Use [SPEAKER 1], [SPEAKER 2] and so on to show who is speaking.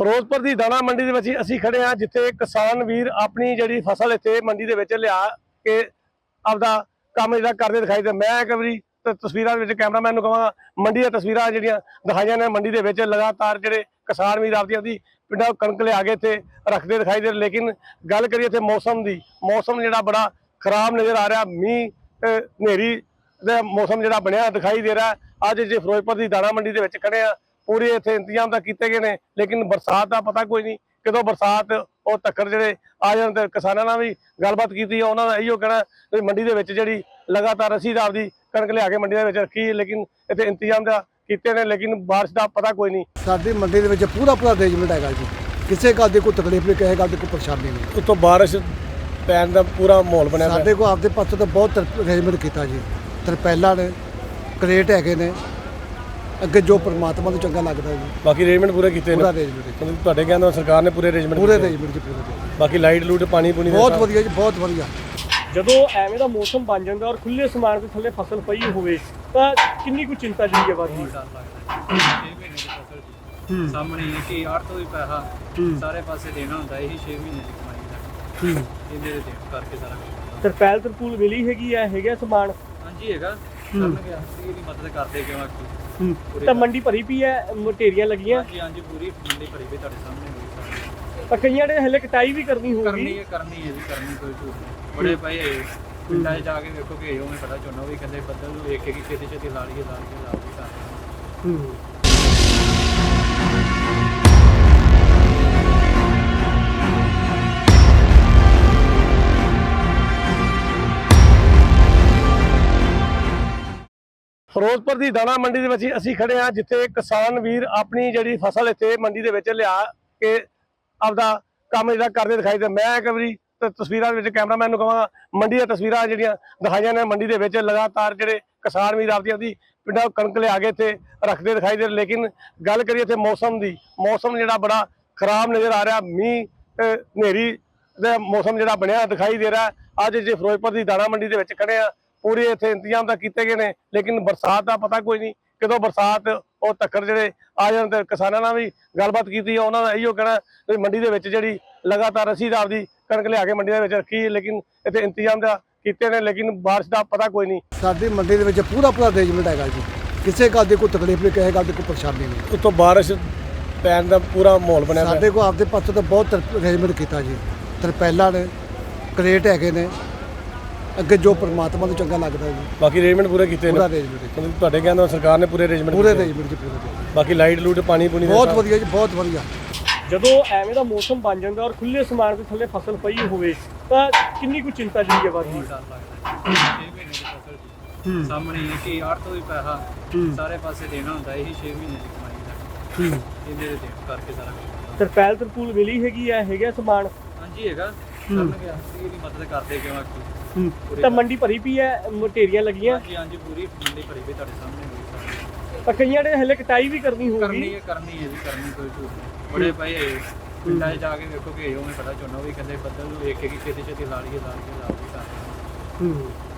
[SPEAKER 1] ਫਿਰੋਜ਼ਪੁਰ ਦੀ ਦਾਣਾ ਮੰਡੀ ਦੇ ਵਿੱਚ ਅਸੀਂ ਖੜੇ ਹਾਂ, ਜਿੱਥੇ ਕਿਸਾਨ ਵੀਰ ਆਪਣੀ ਜਿਹੜੀ ਫਸਲ ਇੱਥੇ ਮੰਡੀ ਦੇ ਵਿੱਚ ਲਿਆ ਕੇ ਆਪਦਾ ਕੰਮ ਜਿਹੜਾ ਕਰਦੇ ਦਿਖਾਈ ਦੇ। ਮੈਂ ਇੱਕ ਵਾਰੀ ਤਸਵੀਰਾਂ ਦੇ ਵਿੱਚ ਕੈਮਰਾਮੈਨ ਨੂੰ ਕਹਾਂਗਾ, ਮੰਡੀ ਦੀਆਂ ਤਸਵੀਰਾਂ ਜਿਹੜੀਆਂ ਦਿਖਾਈਆਂ ਨੇ, ਮੰਡੀ ਦੇ ਵਿੱਚ ਲਗਾਤਾਰ ਜਿਹੜੇ ਕਿਸਾਨ ਵੀਰ ਆਪਦੀ ਪਿੰਡਾਂ ਕਣਕ ਲਿਆ ਕੇ ਇੱਥੇ ਰੱਖਦੇ ਦਿਖਾਈ ਦੇ। ਲੇਕਿਨ ਗੱਲ ਕਰੀਏ ਇੱਥੇ ਮੌਸਮ ਦੀ, ਮੌਸਮ ਜਿਹੜਾ ਬੜਾ ਖਰਾਬ ਨਜ਼ਰ ਆ ਰਿਹਾ। ਮੀਂਹ ਹਨੇਰੀ ਦਾ ਮੌਸਮ ਜਿਹੜਾ ਬਣਿਆ ਦਿਖਾਈ ਦੇ ਰਿਹਾ। ਅੱਜ ਜੇ ਫਿਰੋਜ਼ਪੁਰ ਦੀ ਦਾਣਾ ਮੰਡੀ ਦੇ ਵਿੱਚ ਖੜੇ ਆ, ਪੂਰੇ ਇੱਥੇ ਇੰਤਜ਼ਾਮ ਤਾਂ ਕੀਤੇ ਗਏ ਨੇ, ਲੇਕਿਨ ਬਰਸਾਤ ਦਾ ਪਤਾ ਕੋਈ ਨਹੀਂ ਕਦੋਂ ਬਰਸਾਤ ਉਹ ਤੱਕਰ ਜਿਹੜੇ ਆ ਜਾਣ। ਤੇ ਕਿਸਾਨਾਂ ਨਾਲ ਵੀ ਗੱਲਬਾਤ ਕੀਤੀ, ਉਹਨਾਂ ਦਾ ਇਹੋ ਕਹਿਣਾ ਵੀ ਮੰਡੀ ਦੇ ਵਿੱਚ ਜਿਹੜੀ ਲਗਾਤਾਰ ਅਸੀਂ ਆਪਦੀ ਕਣਕ ਲਿਆ ਕੇ ਮੰਡੀ ਦੇ ਵਿੱਚ ਰੱਖੀ, ਲੇਕਿਨ ਇੱਥੇ ਇੰਤਜ਼ਾਮ ਦਾ ਕੀਤੇ ਨੇ, ਲੇਕਿਨ ਬਾਰਿਸ਼ ਦਾ ਪਤਾ ਕੋਈ ਨਹੀਂ।
[SPEAKER 2] ਸਾਡੀ ਮੰਡੀ ਦੇ ਵਿੱਚ ਪੂਰਾ ਅਰੇਂਜਮੈਂਟ ਹੈਗਾ ਜੀ, ਕਿਸੇ ਗੱਲ ਦੀ ਕੋਈ ਤਕਲੀਫ ਨਹੀਂ, ਕਿਸੇ ਗੱਲ ਦੀ ਕੋਈ ਪਰੇਸ਼ਾਨੀ ਨਹੀਂ।
[SPEAKER 1] ਉੱਤੋਂ ਬਾਰਿਸ਼ ਪੈਣ ਦਾ ਪੂਰਾ ਮਾਹੌਲ ਬਣਿਆ।
[SPEAKER 2] ਸਾਡੇ ਕੋਲ ਆਪਦੇ ਪਾਸੇ ਤੋਂ ਬਹੁਤ ਅਰੇਂਜਮੈਂਟ ਕੀਤਾ ਜੀ, ਤਰਪੈਲਾਂ ਨੇ, ਕਰੇਟ ਹੈਗੇ ਨੇ, ਅੱਗੇ ਜੋ ਪਰਮਾਤਮਾ ਨੂੰ ਚੰਗਾ ਲੱਗਦਾ ਜੀ।
[SPEAKER 1] ਬਾਕੀ ਅਰੇਂਜਮੈਂਟ ਪੂਰੇ ਕੀਤੇ ਨੇ,
[SPEAKER 2] ਪੂਰਾ ਅਰੇਂਜਮੈਂਟ
[SPEAKER 1] ਤੁਹਾਡੇ ਕਹਿੰਦੇ ਸਰਕਾਰ ਨੇ ਪੂਰੇ ਅਰੇਂਜਮੈਂਟ
[SPEAKER 2] ਪੂਰੇ ਅਰੇਂਜਮੈਂਟ ਜੀ, ਪੂਰੇ।
[SPEAKER 1] ਬਾਕੀ ਲਾਈਟ ਲੂਟ ਪਾਣੀ ਪੂਣੀ
[SPEAKER 2] ਬਹੁਤ ਵਧੀਆ ਜੀ, ਬਹੁਤ ਵਧੀਆ।
[SPEAKER 3] ਜਦੋਂ ਐਵੇਂ ਦਾ ਮੌਸਮ ਬਣ ਜਾਂਦਾ ਔਰ ਖੁੱਲੇ ਸਮਾਨ ਦੇ ਥੱਲੇ ਫਸਲ ਪਈ ਹੋਵੇ ਤਾਂ ਕਿੰਨੀ ਕੁ ਚਿੰਤਾ ਜਿਹੜੀ ਹੈ ਵੱਧਦੀ ਹੈ।
[SPEAKER 4] 6 ਮਹੀਨੇ ਦੀ ਫਸਲ ਜੀ ਸਾਹਮਣੇ ਹੈ ਕਿ 8 ਤੋਂ ਵੀ ਪੈਸਾ ਸਾਰੇ ਪਾਸੇ ਦੇਣਾ ਹੁੰਦਾ, ਇਹੀ 6 ਮਹੀਨੇ ਦੀ ਕਮਾਈ ਦਾ ਇਹਦੇ ਦੇ ਦੇਣ ਕਰਕੇ ਸਾਰਾ ਕੁਝ।
[SPEAKER 3] ਤਰਪੈਲ ਤਰਪੂਲ ਮਿਲੀ ਹੈਗੀ ਆ, ਹੈਗਾ ਸਮਾਨ?
[SPEAKER 4] ਹਾਂਜੀ ਹੈਗਾ, ਕਰਨਗੇ ਅਸੀਂ ਦੀ ਮਦਦ ਕਰਦੇ ਕਿਉਂ ਆਖੀ।
[SPEAKER 3] ਤਾਂ ਮੰਡੀ ਭਰੀ ਪਈ ਹੈ, ਮਟੇਰੀਆਂ ਲੱਗੀਆਂ?
[SPEAKER 4] ਹਾਂਜੀ ਹਾਂਜੀ ਪੂਰੀ ਮੰਡੀ ਭਰੀ ਪਈ, ਤੁਹਾਡੇ ਸਾਹਮਣੇ ਹੋਈ ਸਾਰੀ।
[SPEAKER 3] ਤਾਂ ਕਈਆਂ ਨੇ ਹਲੇ ਕਟਾਈ ਵੀ ਕਰਨੀ ਹੋਊਗੀ।
[SPEAKER 4] ਕਰਨੀ ਹੈ ਜੀ, ਕਰਨੀ ਕੋਈ ਝੂਠ ਨਹੀਂ। ਬੜੇ ਪਏ ਹੈ ਪਿੰਡਾਂ 'ਚ ਜਾ ਕੇ ਵੇਖੋ ਕਿ ਉਹਨੇ ਪਤਾ ਝੋਨਾ ਵੀ ਕਹਿੰਦੇ ਬੱਦਲ ਨੂੰ ਵੇਖ ਕੇ ਕਿ ਛੇਤੀ ਛੇਤੀ ਲਾ ਲਈਏ ਸਾਰੇ।
[SPEAKER 1] ਫਿਰੋਜ਼ਪੁਰ ਦੀ ਦਾਣਾ ਮੰਡੀ ਦੇ ਵਿੱਚ ਅਸੀਂ ਖੜੇ ਹਾਂ, ਜਿੱਥੇ ਕਿਸਾਨ ਵੀਰ ਆਪਣੀ ਜਿਹੜੀ ਫਸਲ ਇੱਥੇ ਮੰਡੀ ਦੇ ਵਿੱਚ ਲਿਆ ਕੇ ਆਪਦਾ ਕੰਮ ਜਿਹੜਾ ਕਰਦੇ ਦਿਖਾਈ ਦੇ। ਮੈਂ ਇੱਕ ਵਾਰੀ ਤਸਵੀਰਾਂ ਦੇ ਵਿੱਚ ਕੈਮਰਾਮੈਨ ਨੂੰ ਕਹਾਂਗਾ, ਮੰਡੀ ਦੀਆਂ ਤਸਵੀਰਾਂ ਜਿਹੜੀਆਂ ਦਿਖਾਈਆਂ ਨੇ, ਮੰਡੀ ਦੇ ਵਿੱਚ ਲਗਾਤਾਰ ਜਿਹੜੇ ਕਿਸਾਨ ਵੀਰ ਆਪਦੀ ਪਿੰਡਾਂ ਕਣਕ ਲਿਆ ਕੇ ਇੱਥੇ ਰੱਖਦੇ ਦਿਖਾਈ ਦੇ। ਲੇਕਿਨ ਗੱਲ ਕਰੀਏ ਇੱਥੇ ਮੌਸਮ ਦੀ, ਮੌਸਮ ਜਿਹੜਾ ਬੜਾ ਖਰਾਬ ਨਜ਼ਰ ਆ ਰਿਹਾ। ਮੀਂਹ ਹਨੇਰੀ ਦਾ ਮੌਸਮ ਜਿਹੜਾ ਬਣਿਆ ਦਿਖਾਈ ਦੇ ਰਿਹਾ। ਅੱਜ ਜੇ ਫਿਰੋਜ਼ਪੁਰ ਦੀ ਦਾਣਾ ਮੰਡੀ ਦੇ ਵਿੱਚ ਖੜੇ ਆ, ਪੂਰੇ ਇੱਥੇ ਇੰਤਜ਼ਾਮ ਤਾਂ ਕੀਤੇ ਗਏ ਨੇ, ਲੇਕਿਨ ਬਰਸਾਤ ਦਾ ਪਤਾ ਕੋਈ ਨਹੀਂ ਕਦੋਂ ਬਰਸਾਤ ਉਹ ਤੱਕਰ ਜਿਹੜੇ ਆ ਜਾਣ। ਤੇ ਕਿਸਾਨਾਂ ਨਾਲ ਵੀ ਗੱਲਬਾਤ ਕੀਤੀ, ਉਹਨਾਂ ਦਾ ਇਹੋ ਕਹਿਣਾ ਵੀ ਮੰਡੀ ਦੇ ਵਿੱਚ ਜਿਹੜੀ ਲਗਾਤਾਰ ਅਸੀਂ ਆਪਦੀ ਕਣਕ ਲਿਆ ਕੇ ਮੰਡੀ ਦੇ ਵਿੱਚ ਰੱਖੀ, ਲੇਕਿਨ ਇੱਥੇ ਇੰਤਜ਼ਾਮ ਦਾ ਕੀਤੇ ਨੇ, ਲੇਕਿਨ ਬਾਰਿਸ਼ ਦਾ ਪਤਾ ਕੋਈ ਨਹੀਂ।
[SPEAKER 2] ਸਾਡੀ ਮੰਡੀ ਦੇ ਵਿੱਚ ਪੂਰਾ ਅਰੇਂਜਮੈਂਟ ਹੈਗਾ ਜੀ, ਕਿਸੇ ਗੱਲ ਦੀ ਕੋਈ ਤਕਲੀਫ ਨਹੀਂ, ਕਿਸੇ ਗੱਲ ਦੀ ਕੋਈ ਪਰੇਸ਼ਾਨੀ ਨਹੀਂ।
[SPEAKER 1] ਉੱਤੋਂ ਬਾਰਿਸ਼ ਪੈਣ ਦਾ ਪੂਰਾ ਮਾਹੌਲ ਬਣਿਆ।
[SPEAKER 2] ਸਾਡੇ ਕੋਲ ਆਪਦੇ ਪਾਸੇ ਤੋਂ ਬਹੁਤ ਅਰੇਂਜਮੈਂਟ ਕੀਤਾ ਜੀ, ਤਰਪੈਲਾਂ ਨੇ, ਕਰੇਟ ਹੈਗੇ ਨੇ, ਅੱਗੇ ਜੋ ਪਰਮਾਤਮਾ ਨੂੰ ਚੰਗਾ ਲੱਗਦਾ ਜੀ।
[SPEAKER 1] ਬਾਕੀ ਅਰੇਂਜਮੈਂਟ ਪੂਰੇ ਕੀਤੇ ਨੇ,
[SPEAKER 2] ਪੂਰਾ ਅਰੇਂਜਮੈਂਟ
[SPEAKER 1] ਤੁਹਾਡੇ ਕਹਿੰਦੇ ਸਰਕਾਰ ਨੇ ਪੂਰੇ ਅਰੇਂਜਮੈਂਟ
[SPEAKER 2] ਪੂਰੇ ਅਰੇਂਜਮੈਂਟ ਜੀ, ਪੂਰੇ।
[SPEAKER 1] ਬਾਕੀ ਲਾਈਟ ਲੂਟ ਪਾਣੀ ਪੂਣੀ
[SPEAKER 2] ਬਹੁਤ ਵਧੀਆ ਜੀ, ਬਹੁਤ ਵਧੀਆ।
[SPEAKER 3] ਜਦੋਂ ਐਵੇਂ ਦਾ ਮੌਸਮ ਬਣ ਜਾਂਦਾ ਔਰ ਖੁੱਲੇ ਸਮਾਨ ਦੇ ਥੱਲੇ ਫਸਲ ਪਈ ਹੋਵੇ ਤਾਂ ਕਿੰਨੀ ਕੁ ਚਿੰਤਾ ਜਿਹੜੀ ਹੈ ਵੱਧਦੀ ਹੈ।
[SPEAKER 4] ਡਰ ਲੱਗਦਾ 6 ਮਹੀਨੇ ਦੀ ਫਸਲ ਜੀ ਸਾਹਮਣੇ ਹੈ ਕਿ 8 ਤੋਂ ਵੀ ਪੈਸਾ ਸਾਰੇ ਪਾਸੇ ਦੇਣਾ ਹੁੰਦਾ, ਇਹੀ 6 ਮਹੀਨੇ ਦੀ ਕਮਾਈ ਦਾ ਇਹਦੇ ਦੇ ਦੇਣ ਕਰਕੇ ਸਾਰਾ ਕੁਝ।
[SPEAKER 3] ਤਰਪੈਲ ਤਰਪੂਲ ਮਿਲੀ ਹੈਗੀ ਆ, ਹੈਗਾ ਸਮਾਨ?
[SPEAKER 4] ਹਾਂਜੀ ਹੈਗਾ, ਕਰਨਗੇ ਅਸੀਂ ਦੀ ਮਦਦ ਕਰਦੇ ਕਿਉਂ ਆਖੀ।
[SPEAKER 3] ਤਾਂ ਮੰਡੀ ਭਰੀ ਪਈ ਹੈ, ਮਟੇਰੀਆਂ ਲੱਗੀਆਂ?
[SPEAKER 4] ਹਾਂਜੀ ਹਾਂਜੀ ਪੂਰੀ ਮੰਡੀ ਭਰੀ ਪਈ, ਤੁਹਾਡੇ ਸਾਹਮਣੇ ਹੋਈ ਸਾਰੀ।
[SPEAKER 3] ਤਾਂ ਕਈਆਂ ਨੇ ਹਲੇ ਕਟਾਈ ਵੀ ਕਰਨੀ ਹੋਊਗੀ।
[SPEAKER 4] ਕਰਨੀ ਹੈ ਜੀ, ਕਰਨੀ ਕੋਈ ਝੂਠ ਨਹੀਂ। ਬੜੇ ਪਏ ਹੈ ਪਿੰਡਾਂ 'ਚ ਜਾ ਕੇ ਵੇਖੋ ਕਿ ਉਹਨੇ ਪਤਾ ਝੋਨਾ ਵੀ ਕਹਿੰਦੇ ਬੱਦਲ ਨੂੰ ਵੇਖ ਕੇ ਕਿ ਛੇਤੀ ਛੇਤੀ ਲਾ ਲਈਏ ਸਾਰੇ।